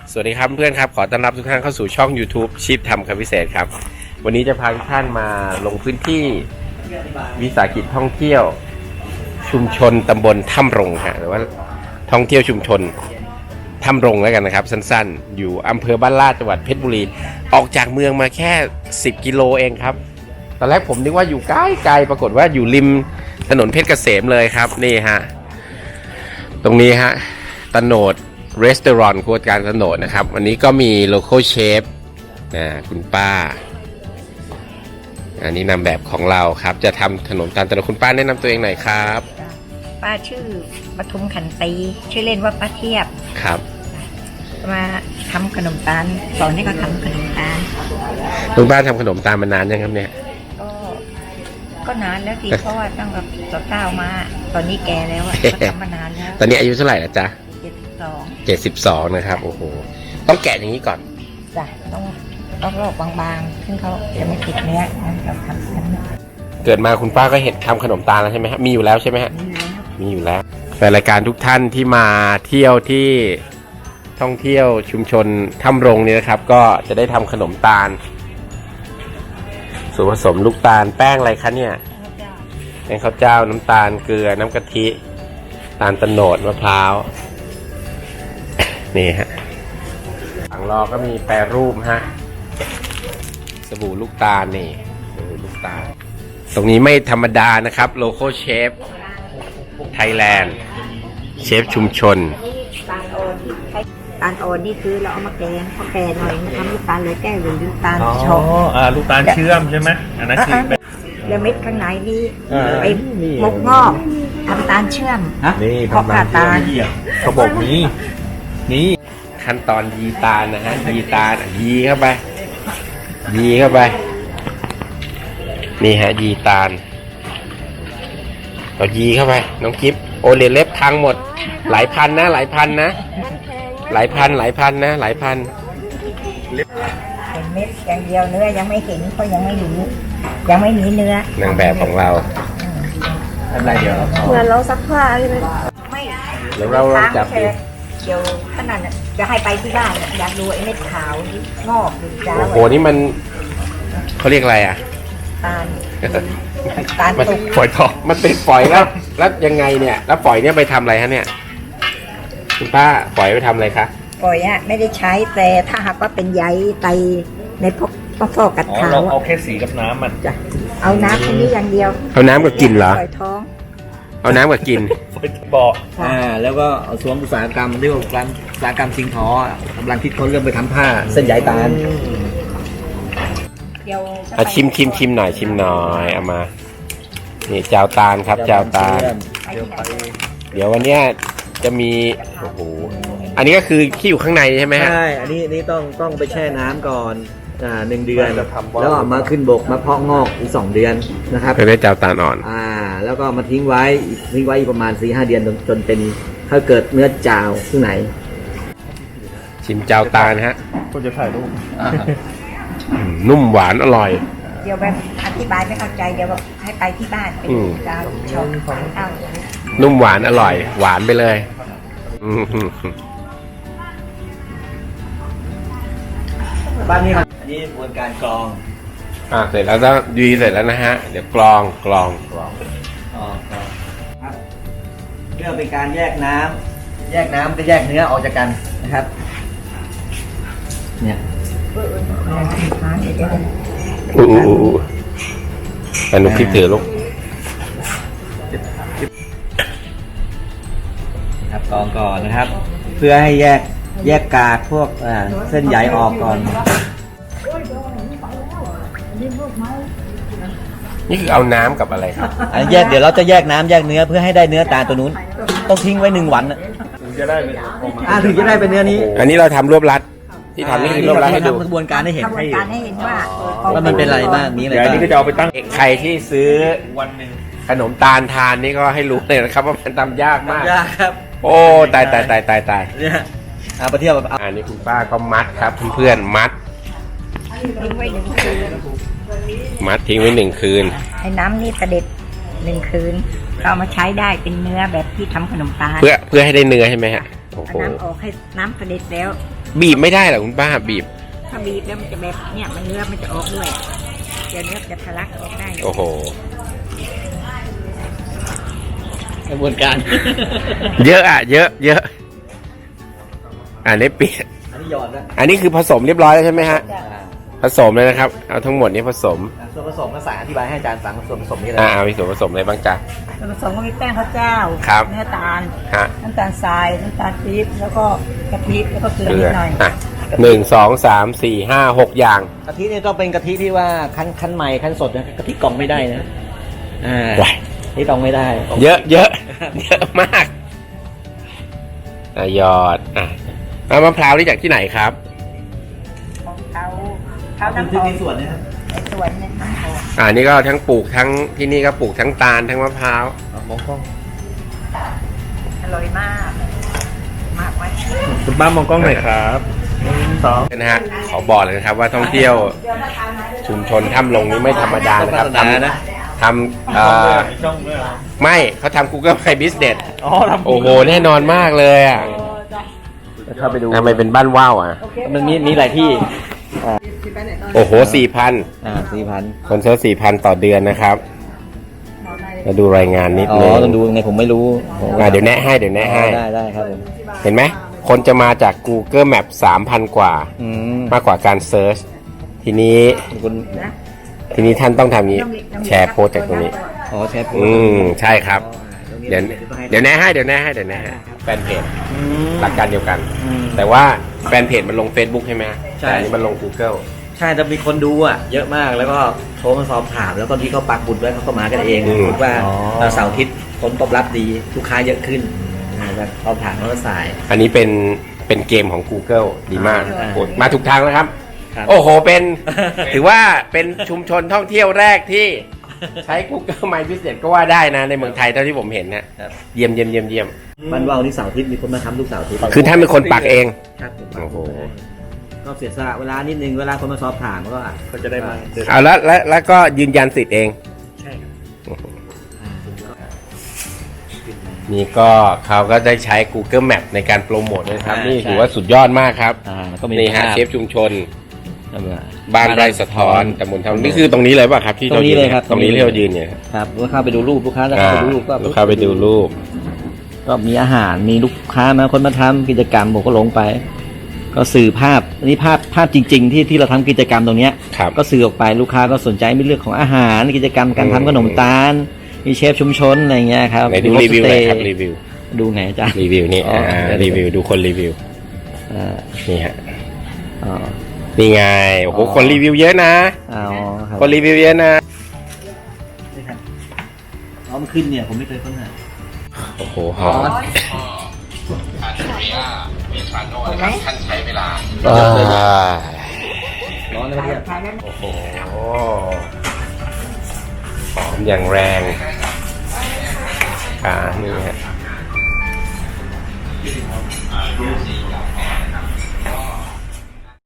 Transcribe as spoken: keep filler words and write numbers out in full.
สวัสดีครับเพื่อนครับขอต้อนรับทุกท่านเข้าสู่ช่อง YouTube ชีพทำคำพิเศษครับวันนี้จะพาทุกท่านมาลงพื้นที่วิสาหกิจท่องเที่ยวชุมชนตำบลถ้ำรงฮะหรือว่าท่องเที่ยวชุมชนถ้ำรงแล้วกันนะครับสั้นๆอยู่อำเภอบ้านลาดจังหวัดเพชรบุรีออกจากเมืองมาแค่สิบกิโลเองครับตอนแรกผมนึกว่าอยู่ใกล้ไกลปรากฏว่าอยู่ริมถนนเพชรเกษมเลยครับนี่ฮะตรงนี้ฮะตโนดรีสอร์ทครัวการถนนนะครับวันนี้ก็มีโลคอลเชฟนะคุณป้าอันนี้นำแบบของเราครับจะทำขนมตาลตะโนดคุณป้าแนะนำตัวเองหน่อยครับป้าชื่อปทุมขันตีชื่อเล่นว่าป้าเทียบครับมาทำขนมตาลสอนให้เขาทำขนมตาลคุณป้าทำขนมตาลมานานยังครับเนี่ยก็ก็นานแล้วสิเพราะว่าตั้งแต่เก้ามาตอนนี้แก่แล้วอ่ะก็ทำมานานแล้วตอนนี้อายุเท่าไหร่แล้วจ๊ะเจ็ดสิบสองเจ็ดสิบสองนะครับโอ้โหต้องแกะอย่างนี้ก่อนจ้ะต้องต้องลอกบางๆซึ่งเขาจะไม่ติดเนื้อเราทำเกิดมาคุณป้าก็เห็นทำขนมตาลแล้วใช่ไหมฮะมีอยู่แล้วใช่ไหมฮะมีอยู่แล้วแฟนรายการทุกท่านที่มาเที่ยวที่ท่องเที่ยวชุมชนถ้ำรงนี่นะครับก็จะได้ทำขนมตาลส่วนผสมลูกตาลแป้งอะไรคะเนี่ยแป้งข้าวเจ้าน้ำตาลเกลือน้ำกะทิตาลตะโนดมะพร้าวนี่ฮะฝั่งรอก็มีแปรรูปฮะสบู่ลูกตาลนี่สบู่ลูกตาลตรงนี้ไม่ธรรมดานะครับโลโก้เชฟไทยแลนด์เชฟชุมชนตาลโอนตาลโอนนี่คือเราเอามาแกงพอแกงหน่อยทำลูกตาลเลยแก้วหรือลูกตาลชงอ๋ออ่าลูกตาลเชื่อมใช่ไหมอันนั้นคือแล้วเม็ดข้างในนี่ไปมกงอกทำตาลเชื่อมนี่เพราะขาดตาลเขาบอกนี้นี่ขั้นตอนยีตาลนะฮะยีตาลยีเข้าไปยีเข้าไปนี่ฮะยีตาลเรายีเข้าไปน้องกิฟโอเลเล็บพังหมดหลายพันนะหลายพันนะหลายพันหลายพันนะหลายพันเห็นเม็ดอย่างเดียวเนื้อยังไม่เห็นเพราะยังไม่รู้ยังไม่มีเนื้อนางแบบของเราอะไรเดี๋ยวเหมือนเราซักผ้าใช่ไหมไม่แล้วเราลองจับดูเดี๋ยวขนาดจะให้ไปที่บ้านอยากดูไอ้เม็ดขาวงอกหรือจ้าโอ้โหนี่มันเขาเรียกอะไรอ่ะตาลตาลตุกฝอยทองมันเป็นฝอยแล้วแล้วยังไงเนี่ยแล้วฝอยเนี่ยไปทำอะไรฮะเนี่ยคุณป้าฝอยไปทำอะไรคะฝอยอ่ะไม่ได้ใช้แต่ถ้าหากว่าเป็นใยไตในพวกพวกฟอกกัดขาวเอาแค่สีกับน้ำมันจ้ะเอาน้ำแค่นี้อย่างเดียวเอาน้ำกับกินเหรอฝอยทองเอาน้ำกับกินฝอยบอกอ่าแล้วก็เอาสวมอุตสาหกรรมเรียกว่าการอุตสาหกรรมสิงห์ทอกำลังคิดค้นเรื่องไปทำผ้าเส้นใยตาลเดี๋ยวอ่ะชิมชิมชิมหน่อยชิมหน่อยเอามานี่เจ้าตาลครับเจ้าตาลเดี๋ยววันเนี้ยจะมีโอ้โหอันนี้ก็คือที่อยู่ข้างในใช่ไหมฮะใช่อันนี้นี่ต้องต้องไปแช่น้ำก่อนอ่าหนึ่งเดือนแล้วก็มาขึ้นบกมาเพาะงอกอีกสองเดือนนะครับเพื่อได้เจ้าตาลอ่อนอ่าแล้วก็มาทิ้งไว้ทิ้งไว้ประมาณสี่ห้าเดือนจนจนเป็นถ้าเกิดเนื้อจาวข้างในชิมเจ้าตาลฮะก็จะถ่ายรูปนุ่มหวานอร่อยเดี๋ยวแบบอธิบายไม่เข้าใจเดี๋ยวแบบให้ไปที่บ้านไปดูดาวชมข้าวนุ่มหวานอร่อยหวานไปเลยบ้านนี้ครับอันนี้กระบวนการกรองอ่าเสร็จแล้วก็ดีเสร็จแล้วนะฮะเดี๋ยวกรองกรองกรองอ๋อครับเพื่อเป็นการแยกน้ำแยกน้ำก็แยกเนื้อออกจากกันนะครับเนี่ยอู้อู้อู้อันนู้นพลิกถือลูกครับกรองก่อนนะครับเพื่อให้แยกแยกกากพวกเส้นใยออกก่อนนี่คือเอาน้ำกับอะไรครับอันแยกเดี๋ยวเราจะแยกน้ำแยกเนื้อเพื่อให้ได้เนื้อตาลตัวนู้นต้องทิ้งไว้หนึ่งวันถึงจะได้เป็นอ่าถึงจะได้เป็นเนื้อนี้อันนี้เราทำรวบรัดที่ทำนี่คือรวบรัดให้ดูกระบวนการให้เห็นกระบวนการให้เห็นว่าว่ามันเป็นอะไรบ้างนี้อะไรบ้างนี่ก็จะเอาไปตั้งใครที่ซื้อวันหนึ่งขนมตาลทานนี่ก็ให้รู้เลยนะครับว่ามันทำยากมากยากครับโอ้ตายตายตายตายตายเนี่ยเอาไปเที่ยวอันนี้คุณป้าก็มัดครับเพื่อนๆมัดทิ้งไว้หนึ่งคืนมัดทิ้งไว้หนึ่งคืนให้น้ำนี่เสด็จหนึ่งคืนเราเอามาใช้ได้เป็นเนื้อแบบที่ทำขนมตาลเพื่อเพื่อให้ได้เนื้อใช่ไหมฮะโอ้โหน้ำออกให้น้ำเสด็จแล้วบีบไม่ได้เหรอคุณป้าบีบถ้าบีบแล้วมันจะแบบเนี่ยมันเนื้อมันจะออกด้วยเดี๋ยวเนื้อจะทะลักออกได้โอ้โหกระบวนการเยอะอ่ะ เยอะเยอะอันนี้เปลี่ยนอันนี้หยอดนะอันนี้คือผสมเรียบร้อยแล้วใช่ไหมฮะจ้ะผสมเลยนะครับ เอาทั้งหมดนี้ผสมส่วนผสมภาษาอธิบายให้อาจารย์ฟังส่วนผสมนี่อะไรอ่ามีส่วนผสมอะไรบ้างจ๊ะส่วนผสมก็มีแป้งข้าวเจ้าครับเนื้อตาลฮะน้ำตาลทรายน้ำตาลปี๊บแล้วก็กะทิแล้วก็เกลือเกลืนิอดหน่อยอ่ะหนึ่งสองสามสี่ห้าหกอย่างกะทิเนี่ยต้องเป็นกะทิที่ว่าคั้นคั้นใหม่คั้นสดนะกะทิกล่องไม่ได้นะอ่าว้ายที่กล่องไม่ได้เยอะเยอะ เยอะมากอ่ะหยอดอ่ะเอามะพร้าวนี่จากที่ไหนครับของเขาเขาน้ำหที่อมมีส่วนนะครับไอ้ส่วนเนี่ยน้ำหอมอ่านี่ก็ทั้งปลูกทั้งที่นี่ก็ปลูกทั้งตาลทั้งมะพร้าวมองกล้องอร่อยมากมากไว้คุณป้ามองกล้องหน่อยครับหนึ่งสองนะฮะขอบอกเลยนะครับว่าท่องเที่ยวชุมชนถ้ำลงนี้ไม่ธรรมดานะครับทำนะทำเอ่อช่องด้วยเหรอไม่เขาทำ Google My Business อ๋อทำโอ้โหแน่นอนมากเลยอ่ะเข้าไปดูทำไมเป็นบ้านว่าวอ่ะมันมีมีหลายที่โอ้โหสี่พันอ่าสี่พันคนเซิร์ชสี่พันต่อเดือนนะครับมาดูรายงานนิดอ๋อนึงต้องดูไงผมไม่รู้อ่ะเดี๋ยวแนะให้เดี๋ยวแนะให้ได้ได้ครับผมเห็นไหมคนจะมาจาก Google Map สามพันกว่าอืมมากกว่าการเซิร์ชทีนี้คุณนะทีนี้ท่านต้องทำนี้แชร์โพสต์จากตรงนี้อ๋อแชร์โพสอืต์มใช่ครับอ๋อเดี๋ยวเดี๋ยวแนะให้เดี๋ยวแนะให้เดี๋ยวแนะให้แฟนเพจอืมหลักการเดียวกันอืมแต่ว่าแฟนเพจมันลง Facebook ใช่ไหมใช่แต่อันนี้มันลง Google ใช่แต่มีคนดูอ่ะเยอะมากแล้วก็โทรมาสอบถามแล้วก็ที่เขาปักบุญไว้เขาก็มากันเองอืมคิดว่าเราเสาร์อาทิตย์ผลตอบรับดีลูกค้าเยอะขึ้นอ่าแล้วสอบถามเขาก็สายอันนี้เป็นเป็นเกมของ Google ดีมากอ่าโอ้มาถูกทางแล้วครับครับโอ้โห เป็น ถือว่าเป็นชุมชนท่องเที่ยวแรกที่ใช้ Google My Business ก็ว่าได้นะ ในเมืองไทยเท่าที่ผมเห็นนะครับ เยี่ยมเยี่ยมเยี่ยมเยี่ยมบ้านว่าวนี่เสาร์อาทิตย์มีคนมาทำทุกเสาร์อาทิตย์คือท่านเป็นคนปักเองครับผมปักโอ้โหก็เสียสละเวลานิดนึงเวลาคนมาสอบถามก็ก็จะได้มาเดินเอาแล้วแล้วแล้วก็ยืนยันสิทธิ์เองใช่ครับนี่ก็เขาก็ได้ใช้ Google Map ในการโปรโมทด้วยนะครับอ่านี่ใช่ถือว่าสุดยอดมากครับอ่าแล้วก็มีนี่ฮะภาพเชฟชุมชนเอามาบ้านไร่สะท้อนตำบลทำนี่คือตรงนี้เลยป่ะครับที่ตรงนี้เลยครับตรงนี้ที่เรายืนเนี่ยครับลูกค้าไปดูรูปลูกค้าจะอ่าเข้าไปดูรูปก็ลูกค้าไปดูรูปก็มีอาหารมีลูกค้ามาคนมาทำกิจกรรมผมก็ลงไป ก็สื่อภาพอันนี้ภาพภาพจริง ๆ ที่ที่เราทำกิจกรรมตรงเนี้ยครับก็สื่อออกไปลูกค้าก็สนใจในเรื่องของอาหารกิจกรรมการทำขนมตาล มีเชฟชุมชนอะไรเงี้ยครับไหนดูมีรีวิวหน่อยครับโฮมสเตรีวิวดูไงอาจารย์รีวิวนี่อ๋ออ่าเดี๋ยวรีวิวดูคนรีวิวอ่านี่ฮะอ๋อนี่ไงโอ้โหอ๋อคนรีวิวเยอะนะอ๋อครับคนรีวิวเยอะนะอ๋อมันขึ้นเนี่ยผมไม่เคยค้นหาโอ้โหหอมท่านใช้เวลาร้อนนะพี่ทานนั้นโอ้โหหอมอย่างแรงอ่านี่ฮะ